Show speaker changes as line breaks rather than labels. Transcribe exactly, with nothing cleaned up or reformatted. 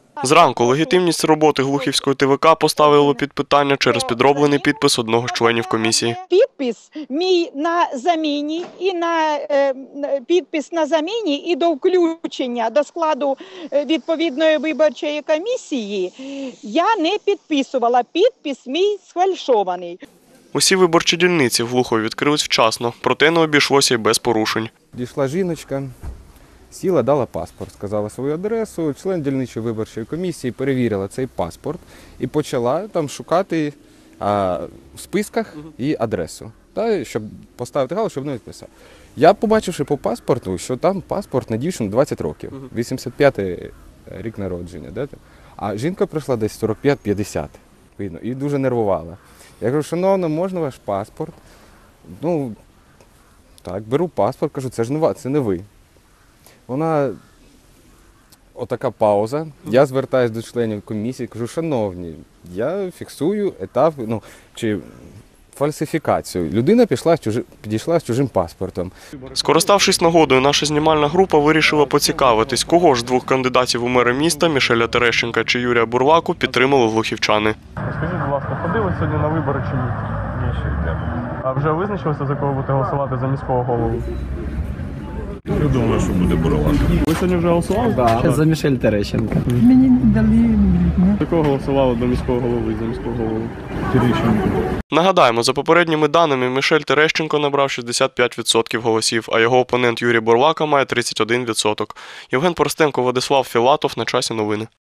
Зранку легітимність роботи Глухівської Те Ве Ка поставило під питання через підроблений підпис одного з членів комісії.
Підпис мій на заміні і на е, підпис на заміні і до включення до складу відповідної виборчої комісії я не підписувала. Підпис мій сфальшований.
Усі виборчі дільниці в Глухові відкрились вчасно, проте не обійшлося й без порушень.
Дійшла жіночка, сіла, дала паспорт, сказала свою адресу, член дільничої виборчої комісії перевірила цей паспорт і почала там шукати а, в списках її адресу, та, щоб поставити галочку, щоб не відписав. Я, побачивши по паспорту, що там паспорт на дівчину двадцять років, вісімдесят п'ятий рік народження, да? А жінка прийшла десь сорок п'ять - п'ятдесят, видно, і дуже нервувала. Я кажу, шановна, можна ваш паспорт? Ну, так, беру паспорт, кажу, це ж не ви, це не ви. Вона, отака пауза, я звертаюся до членів комісії, кажу, шановні, я фіксую етап, ну, чи фальсифікацію. Людина пішла, підійшла з чужим паспортом.
Скориставшись нагодою, наша знімальна група вирішила поцікавитись, кого ж з двох кандидатів у мери міста, Мішеля Терещенка чи Юрія Бурлаку, підтримали глухівчани.
Скажіть, будь ласка, ходили сьогодні на вибори чи ні? Ні, ще йде. А вже визначилися, за кого будете голосувати за міського голову?
Я думаю, що буде Бурлак.
Ви сьогодні вже голосували?
Так, да. За Мішель Терещенка.
Мені не дали.
За кого голосували до міського голови, за міського голову? Терещенко.
Нагадаємо, за попередніми даними, Мішель Терещенко набрав шістдесят п'ять відсотків голосів, а його опонент Юрій Бурлака має тридцять один відсоток. Євген Поростенко, Владислав Філатов. На часі новини.